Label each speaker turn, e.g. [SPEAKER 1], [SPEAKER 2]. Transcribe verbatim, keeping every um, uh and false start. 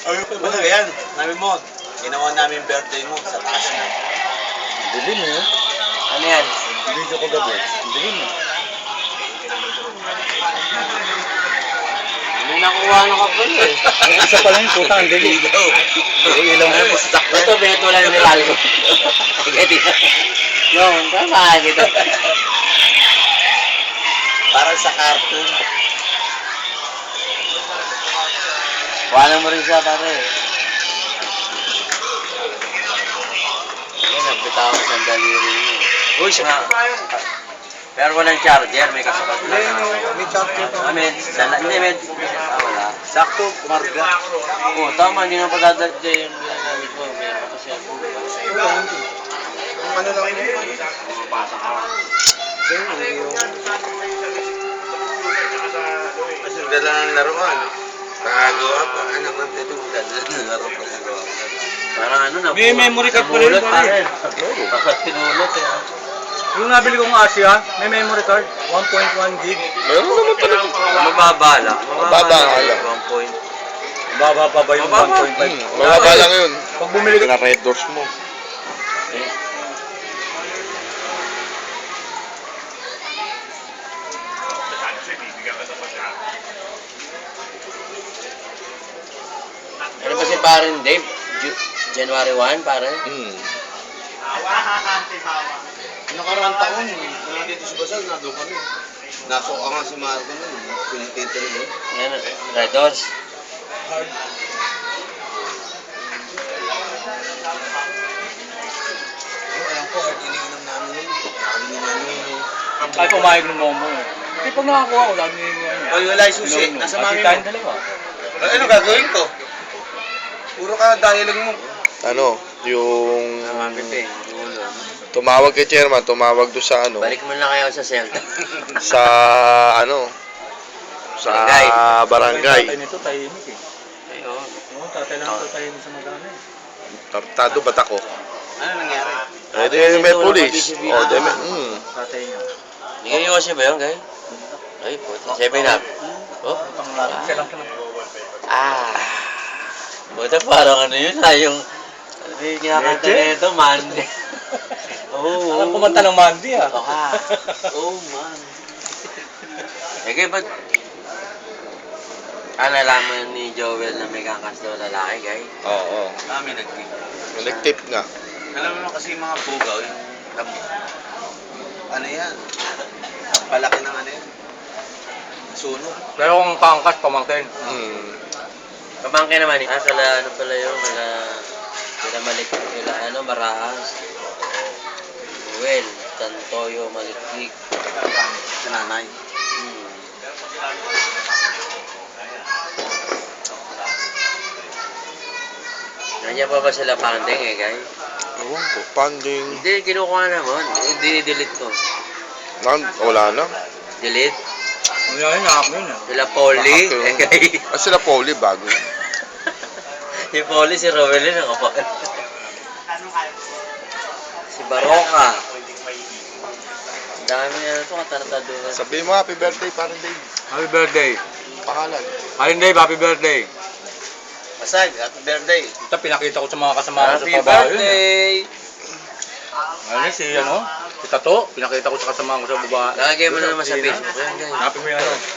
[SPEAKER 1] Ano ba yan? Namin mo, ginawa namin birthday mo sa taas na.
[SPEAKER 2] Dilim eh.
[SPEAKER 3] Ano yan?
[SPEAKER 2] Video ko gabi. Dilim eh.
[SPEAKER 3] May nakuha na ka po eh.
[SPEAKER 2] Ay, isa pa lang yung puta, ang dilim. Ay, ilang mo pa.
[SPEAKER 3] Ito, beto lang nilalo ko. Yung, tama kita.
[SPEAKER 1] Parang sa cartoon.
[SPEAKER 3] Wala mo rin siya pare. Yan, nagbitawan sa daliri niya. Uy, siya. Pero walang charger, may kasabat lang.
[SPEAKER 2] May charger pa.
[SPEAKER 3] Ah, may, dala, hindi, may, ah, wala.
[SPEAKER 1] Sakto, marga.
[SPEAKER 3] Oo, tama, hindi na padadagda yung ginagamit mo. Meron ka kasi ako.
[SPEAKER 2] Ano lang yun?
[SPEAKER 3] Pumapasok ka.
[SPEAKER 1] Kasi dala ng laruan. Pagagawa pa, anak ng tetong dala ng laro pa gagawa.
[SPEAKER 3] Parang ano na.
[SPEAKER 2] May memory card pa rin,
[SPEAKER 3] namulot,
[SPEAKER 2] pare.
[SPEAKER 3] pare. Bakit pinulot eh.
[SPEAKER 2] Yung nabili kong Asia, may memory card, one point one gig.
[SPEAKER 4] Meron naman talaga.
[SPEAKER 3] Mababa lang.
[SPEAKER 4] Mababa lang.
[SPEAKER 3] one point.
[SPEAKER 2] Baba pa ba yung
[SPEAKER 3] Mababa.
[SPEAKER 2] one point five?
[SPEAKER 4] Hmm, mababa lang yun.
[SPEAKER 2] Pag bumili ka,
[SPEAKER 4] Na red doors mo.
[SPEAKER 3] Eh. Ano ba si parang Dave? Ju- January first, pare?
[SPEAKER 4] Hmm.
[SPEAKER 1] Nakaraang taon, wala dito si Basal, nado kami. Nasok ka nga si Marco nun, pinitito rin.
[SPEAKER 3] Yan, Red Doors.
[SPEAKER 1] Alam ko, hard iniinom namin yun. Nakabili namin yun.
[SPEAKER 2] ay pumayag ng momo. Kasi pag nakakuha ko, lagi yung ano.
[SPEAKER 1] Ay, wala yung susi. Nasa mami
[SPEAKER 2] Tayong
[SPEAKER 1] mo.
[SPEAKER 2] dalawa.
[SPEAKER 1] Ay, ano gagawin ko? Puro ka dialogue mo.
[SPEAKER 4] Ano, yung
[SPEAKER 3] Mami Pe, dulo.
[SPEAKER 4] tumawag kay chairman, tumawag do sa ano,
[SPEAKER 3] Balik mo na kayo sa Zelda.
[SPEAKER 4] sa ano, sa
[SPEAKER 3] Barangay.
[SPEAKER 2] Yung
[SPEAKER 4] barangay.
[SPEAKER 2] tatay nito, tahimik eh.
[SPEAKER 3] Ayun.
[SPEAKER 2] Oo, tatay lang ito tahimik sa magana eh.
[SPEAKER 4] Tartado ba't ako?
[SPEAKER 1] Ano nangyari?
[SPEAKER 4] Eh, di may police. Oh, di may, hmm.
[SPEAKER 2] Tatay niya.
[SPEAKER 3] Hindi kayo kasi ba yun, guys? Ay, puta. Seven up. Oh?
[SPEAKER 2] Panglalang siya lang siya.
[SPEAKER 3] Ah. Puta, parang ano yun, ah, yung... Ano yung kinakanta
[SPEAKER 2] Leche?
[SPEAKER 3] na ito, man. Oo.
[SPEAKER 2] Alam kumanta ng Mandy ah.
[SPEAKER 3] Ito ka. Oh, man. Eh, kaya ba't... Ah, nalaman ni Joel na may kakas daw lalaki, guys?
[SPEAKER 4] Oo.
[SPEAKER 1] Kami nag-tip.
[SPEAKER 4] Nag-tip nga.
[SPEAKER 1] Alam mo naman kasi yung mga bugaw, yung lam- ano yan? Palaki ng ano yan? Sunog.
[SPEAKER 2] Pero kung kaangkas, pamangkin.
[SPEAKER 4] Hmm.
[SPEAKER 3] Pamangkin naman eh. Ah, kala ano pala yun, kala... Kala malik... Kala ano, Maraas. Well, Tantoyo, Maliklik.
[SPEAKER 1] Sa nanay.
[SPEAKER 3] Hmm. Nandiyan pa ba sila pandeng eh, guys?
[SPEAKER 4] Ewan ko, panding.
[SPEAKER 3] Hindi, kinukuha naman. Dinidelete ko.
[SPEAKER 4] Nan, wala na.
[SPEAKER 3] Delete.
[SPEAKER 2] Ano yan, nakak yun ah.
[SPEAKER 3] Sila Polly.
[SPEAKER 4] Nakak
[SPEAKER 3] Eh,
[SPEAKER 4] yun.
[SPEAKER 3] guys.
[SPEAKER 4] Ah, sila Pauli, bago.
[SPEAKER 3] Si Polly, si Rovelin, ako. Si Baroka. Ang dami na ito, katartado.
[SPEAKER 4] Sabihin mo, happy birthday, parang Dave.
[SPEAKER 2] Happy birthday.
[SPEAKER 4] Pangalan.
[SPEAKER 2] Ayun Dave, happy birthday.
[SPEAKER 1] Masag, happy birthday.
[SPEAKER 2] Ito pinakita ko sa mga kasama ko sa
[SPEAKER 3] Happy
[SPEAKER 2] trabaho yun. eh.
[SPEAKER 3] birthday!
[SPEAKER 2] Ano si ano? Si Tato, pinakita ko sa kasama ko sa baba.
[SPEAKER 3] Lagay mo na naman sa Facebook. Ayan, guys.
[SPEAKER 2] Happy mo yung ano.